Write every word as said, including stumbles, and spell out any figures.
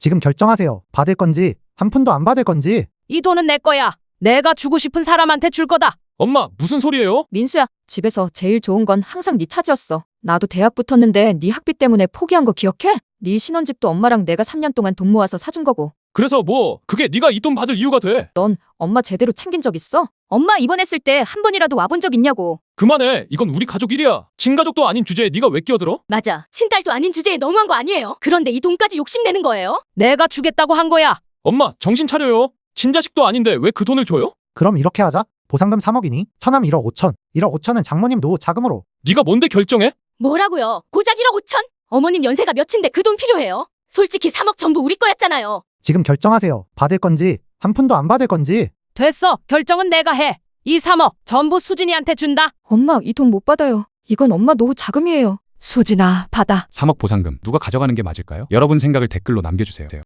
지금 결정하세요. 받을 건지 한 푼도 안 받을 건지. 이 돈은 내 거야. 내가 주고 싶은 사람한테 줄 거다. 엄마, 무슨 소리예요? 민수야, 집에서 제일 좋은 건 항상 네 차지였어. 나도 대학 붙었는데 네 학비 때문에 포기한 거 기억해? 네 신혼집도 엄마랑 내가 삼 년 동안 돈 모아서 사준 거고. 그래서 뭐 그게 네가 이 돈 받을 이유가 돼? 넌 엄마 제대로 챙긴 적 있어? 엄마 입원했을 때 한 번이라도 와본 적 있냐고. 그만해. 이건 우리 가족 일이야. 친가족도 아닌 주제에 네가 왜 끼어들어? 맞아. 친딸도 아닌 주제에 너무한 거 아니에요? 그런데 이 돈까지 욕심내는 거예요? 내가 주겠다고 한 거야. 엄마, 정신 차려요. 친자식도 아닌데 왜 그 돈을 줘요? 그럼 이렇게 하자. 보상금 삼억이니 천함 일억 오천. 일억 오천은 장모님 노후 자금으로. 네가 뭔데 결정해? 뭐라고요? 고작 일억 오천? 어머님 연세가 몇인데 그 돈 필요해요? 솔직히 삼억 전부 우리 거였잖아요. 지금 결정하세요. 받을 건지 한 푼도 안 받을 건지. 됐어. 결정은 내가 해. 이 삼억 전부 수진이한테 준다. 엄마 이 돈 못 받아요. 이건 엄마 노후 자금이에요. 수진아, 받아. 삼억 보상금 누가 가져가는 게 맞을까요? 여러분 생각을 댓글로 남겨주세요.